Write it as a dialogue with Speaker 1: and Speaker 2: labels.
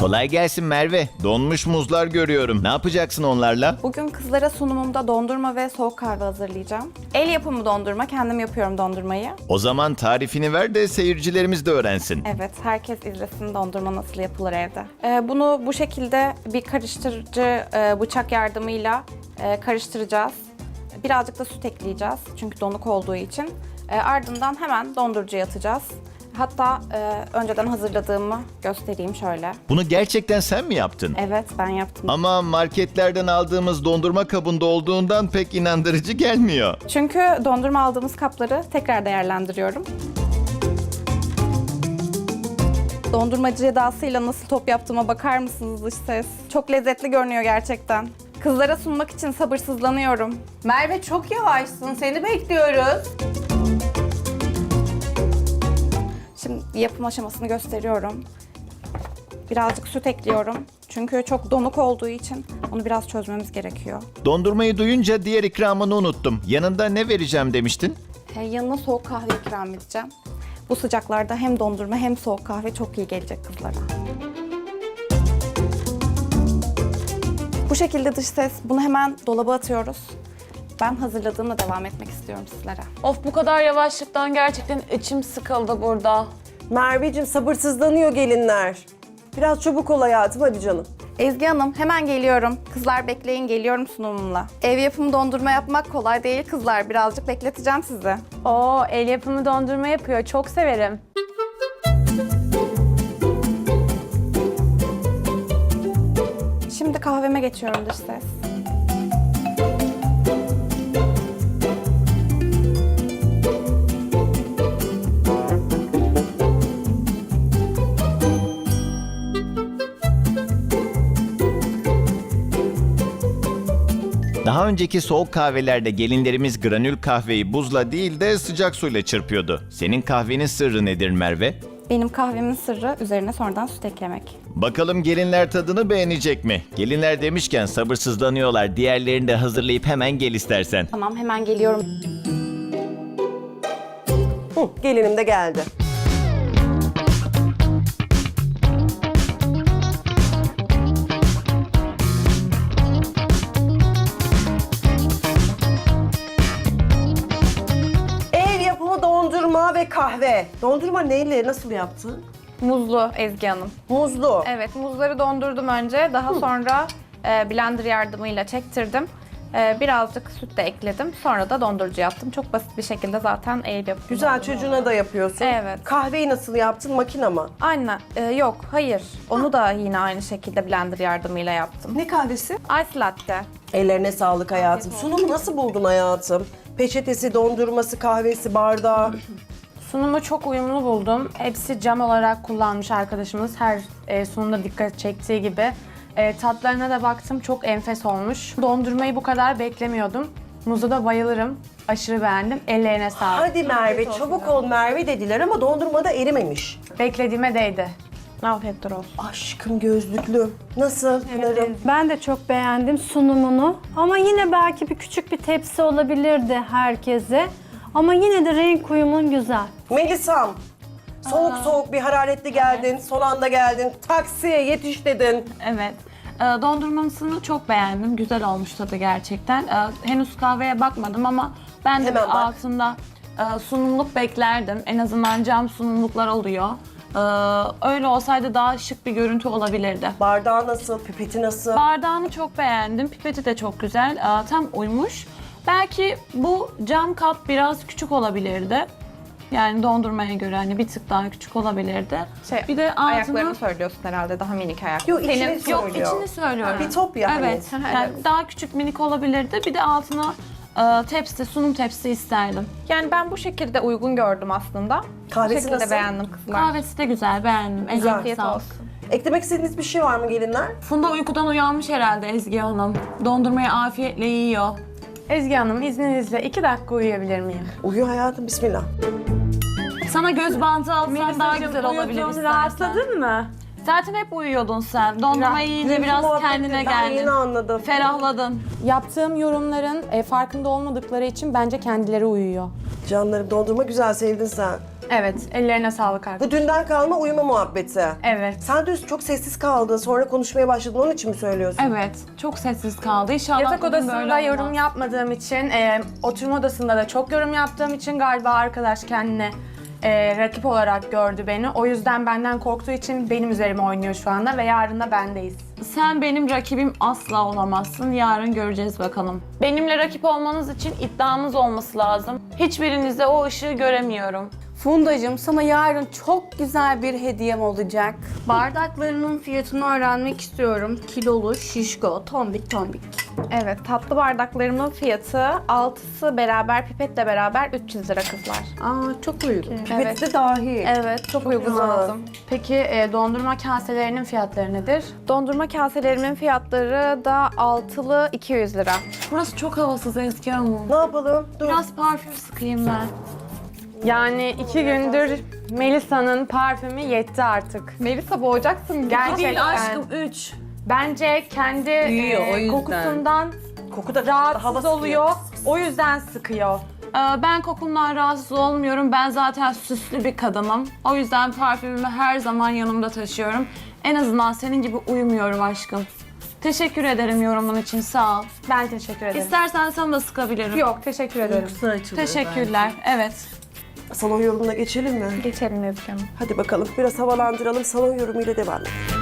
Speaker 1: Kolay gelsin Merve. Donmuş muzlar görüyorum. Ne yapacaksın onlarla?
Speaker 2: Bugün kızlara sunumumda dondurma ve soğuk kahve hazırlayacağım. El yapımı dondurma, kendim yapıyorum dondurmayı.
Speaker 1: O zaman tarifini ver de seyircilerimiz de öğrensin.
Speaker 2: Evet, herkes izlesin dondurma nasıl yapılır evde. Bunu bu şekilde bir karıştırıcı bıçak yardımıyla karıştıracağız. Birazcık da süt ekleyeceğiz çünkü donuk olduğu için. Ardından hemen dondurucuya atacağız. Hatta önceden hazırladığımı göstereyim şöyle.
Speaker 1: Bunu gerçekten sen mi yaptın?
Speaker 2: Evet, ben yaptım.
Speaker 1: Ama marketlerden aldığımız dondurma kabında olduğundan pek inandırıcı gelmiyor.
Speaker 2: Çünkü dondurma aldığımız kapları tekrar değerlendiriyorum. Dondurmacı edasıyla nasıl top yaptığıma bakar mısınız dış ses? Çok lezzetli görünüyor gerçekten. Kızlara sunmak için sabırsızlanıyorum.
Speaker 3: Merve çok yavaşsın. Seni bekliyoruz.
Speaker 2: Şimdi yapım aşamasını gösteriyorum. Birazcık süt ekliyorum. Çünkü çok donuk olduğu için onu biraz çözmemiz gerekiyor.
Speaker 1: Dondurmayı duyunca diğer ikramını unuttum. Yanında ne vereceğim demiştin?
Speaker 2: Yanına soğuk kahve ikram edeceğim. Bu sıcaklarda hem dondurma hem soğuk kahve çok iyi gelecek kızlara. Bu şekilde dış ses. Bunu hemen dolaba atıyoruz. Ben hazırladığımla devam etmek istiyorum sizlere.
Speaker 3: Of, bu kadar yavaşlıktan gerçekten içim sıkıldı burada.
Speaker 4: Merveciğim sabırsızlanıyor gelinler. Biraz çabuk ol hayatım hadi canım.
Speaker 2: Ezgi Hanım hemen geliyorum. Kızlar bekleyin, geliyorum sunumumla. Ev yapımı dondurma yapmak kolay değil kızlar. Birazcık bekleteceğim sizi.
Speaker 5: Oo, el yapımı dondurma yapıyor. Çok severim.
Speaker 2: Şimdi kahveme geçiyorum dış ses.
Speaker 1: Daha önceki soğuk kahvelerde gelinlerimiz granül kahveyi buzla değil de sıcak suyla çırpıyordu. Senin kahvenin sırrı nedir Merve?
Speaker 2: Benim kahvemin sırrı üzerine sonradan süt eklemek.
Speaker 1: Bakalım gelinler tadını beğenecek mi? Gelinler demişken sabırsızlanıyorlar. Diğerlerini de hazırlayıp hemen gel istersen.
Speaker 2: Tamam, hemen geliyorum.
Speaker 4: Gelinim de geldi. Ev yapımı dondurma ve kahve. Dondurma neyle, nasıl yaptın?
Speaker 2: Muzlu Ezgi Hanım.
Speaker 4: Muzlu.
Speaker 2: Evet, muzları dondurdum önce. Daha sonra blender yardımıyla çektirdim. Birazcık süt de ekledim. Sonra da dondurucuya attım. Çok basit bir şekilde zaten el yapımı.
Speaker 4: Güzel, çocuğuna da yapıyorsun.
Speaker 2: Evet.
Speaker 4: Kahveyi nasıl yaptın, makine mi?
Speaker 2: Aynen. Yok, hayır. Onu da yine aynı şekilde blender yardımıyla yaptım.
Speaker 4: Ne kahvesi?
Speaker 2: Ice latte.
Speaker 4: Ellerine sağlık hayatım. Sunumu nasıl buldun hayatım? Peçetesi, dondurması, kahvesi, bardağı.
Speaker 5: Sunumu çok uyumlu buldum. Hepsi cam olarak kullanmış arkadaşımız. Her sunumda dikkat çektiği gibi. Tatlarına da baktım. Çok enfes olmuş. Dondurmayı bu kadar beklemiyordum. Muzu da bayılırım. Aşırı beğendim. Ellerine sağlık.
Speaker 4: Hadi Merve, çabuk ol Merve dediler ama dondurma da erimemiş.
Speaker 5: Beklediğime değdi.
Speaker 2: Afiyetler olsun.
Speaker 4: Aşkım gözlüklü. Nasıl Pınar'ım?
Speaker 6: Ben de çok beğendim sunumunu ama yine belki bir küçük bir tepsi olabilirdi herkese. Ama yine de renk uyumun güzel.
Speaker 4: Melisa'm, soğuk soğuk bir hararetli geldin, son anda geldin, taksiye yetiş dedin.
Speaker 7: Evet. Dondurmasını çok beğendim. Güzel olmuş tadı gerçekten. Henüz kahveye bakmadım ama ben de
Speaker 4: Hemen bak.
Speaker 7: altında sunumluk beklerdim. En azından cam sunumluklar oluyor. Öyle olsaydı daha şık bir görüntü olabilirdi.
Speaker 4: Bardağı nasıl, pipeti nasıl?
Speaker 7: Bardağını çok beğendim. Pipeti de çok güzel. Tam uymuş. Belki bu cam kap biraz küçük olabilirdi. Yani dondurmaya göre hani bir tık daha küçük olabilirdi. Bir de altını...
Speaker 2: Ayaklarını söylüyorsun herhalde. Daha minik ayak.
Speaker 4: Yok, içini
Speaker 7: Yok,
Speaker 4: söylüyor.
Speaker 7: içini söylüyorum.
Speaker 4: Bir top ya hani.
Speaker 7: Evet. Yani daha küçük minik olabilirdi. Bir de altına tepsi, sunum tepsi isterdim.
Speaker 2: Yani ben bu şekilde uygun gördüm aslında.
Speaker 4: Kahvesi
Speaker 2: bu şekilde
Speaker 4: nasıl?
Speaker 2: beğendim kızlar.
Speaker 7: Kahvesi de güzel, beğendim.
Speaker 4: Güzel.
Speaker 7: Eline
Speaker 2: Afiyet
Speaker 7: sağlık.
Speaker 2: olsun.
Speaker 4: Eklemek istediğiniz bir şey var mı gelinler?
Speaker 7: Funda uykudan uyanmış herhalde Ezgi Hanım. Dondurmayı afiyetle yiyor.
Speaker 5: Ezgi Hanım, izninizle 2 dakika uyuyabilir miyim?
Speaker 4: Uyu hayatım, bismillah.
Speaker 7: Sana göz bandı alsan daha güzel olabilir
Speaker 5: Uyudun,
Speaker 7: istersen.
Speaker 5: rahatladın mı?
Speaker 7: Zaten hep uyuyordun sen. Dondurmayı yiyince
Speaker 4: Dünkü
Speaker 7: biraz
Speaker 4: muhabbeti
Speaker 7: kendine
Speaker 4: ben
Speaker 7: geldin.
Speaker 4: yeni anladım.
Speaker 7: Ferahladın.
Speaker 8: Yaptığım yorumların farkında olmadıkları için bence kendileri uyuyor.
Speaker 4: Canlarım, dondurma güzel, sevdin sen.
Speaker 5: Evet, ellerine sağlık
Speaker 4: Bu
Speaker 5: arkadaşım.
Speaker 4: dünden kalma uyuma muhabbeti.
Speaker 5: Evet.
Speaker 4: Sen dün çok sessiz kaldın. Sonra konuşmaya başladın. Onun için mi söylüyorsun?
Speaker 7: Evet, çok sessiz kaldı. İnşallah
Speaker 5: Yatak
Speaker 7: bugün
Speaker 5: odasında
Speaker 7: böyle
Speaker 5: yorum
Speaker 7: olmaz.
Speaker 5: yapmadığım için, oturma odasında da çok yorum yaptığım için galiba arkadaş kendine rakip olarak gördü beni. O yüzden benden korktuğu için benim üzerime oynuyor şu anda ve yarın da bendeyiz.
Speaker 7: Sen benim rakibim asla olamazsın. Yarın göreceğiz bakalım. Benimle rakip olmanız için iddiamız olması lazım. Hiçbirinizde o ışığı göremiyorum.
Speaker 8: Fundacığım sana yarın çok güzel bir hediyem olacak.
Speaker 5: Bardaklarının fiyatını öğrenmek istiyorum. Kilolu, şişko, tombik tombik.
Speaker 2: Evet, tatlı bardaklarımın fiyatı 6'sı beraber, pipetle beraber 300 lira kızlar.
Speaker 8: Aa çok uygun.
Speaker 2: Evet.
Speaker 4: de dahil.
Speaker 2: Evet, çok uygun
Speaker 4: güzel.
Speaker 2: aldım.
Speaker 5: Peki dondurma kaselerinin fiyatları nedir?
Speaker 2: Dondurma kaselerimin fiyatları da altılı 200 lira.
Speaker 7: Burası çok havasız Ezgi Hanım.
Speaker 4: Ne yapalım? Dur.
Speaker 7: Biraz parfüm sıkayım ben.
Speaker 5: Yani 2 gündür Melisa'nın parfümü yetti artık.
Speaker 2: Melisa boğacaksın.
Speaker 5: Gerçekten.
Speaker 7: Değil aşkım 3.
Speaker 5: Bence kendi
Speaker 8: Büyüyor, o yüzden.
Speaker 5: kokusundan
Speaker 4: Koku da
Speaker 5: rahatsız
Speaker 4: hava
Speaker 5: oluyor. O yüzden sıkıyor.
Speaker 7: Ben kokumdan rahatsız olmuyorum. Ben zaten süslü bir kadınım. O yüzden parfümümü her zaman yanımda taşıyorum. En azından senin gibi uyumuyorum aşkım. Teşekkür ederim yorumun için, sağ ol.
Speaker 5: Ben teşekkür ederim.
Speaker 7: İstersen sana da sıkabilirim.
Speaker 5: Yok, teşekkür ederim.
Speaker 7: Teşekkürler, evet.
Speaker 4: Salon yorumuna geçelim mi?
Speaker 2: Geçelim Ezgi Hanım.
Speaker 4: Hadi bakalım biraz havalandıralım. Salon yorumuyla devam edelim.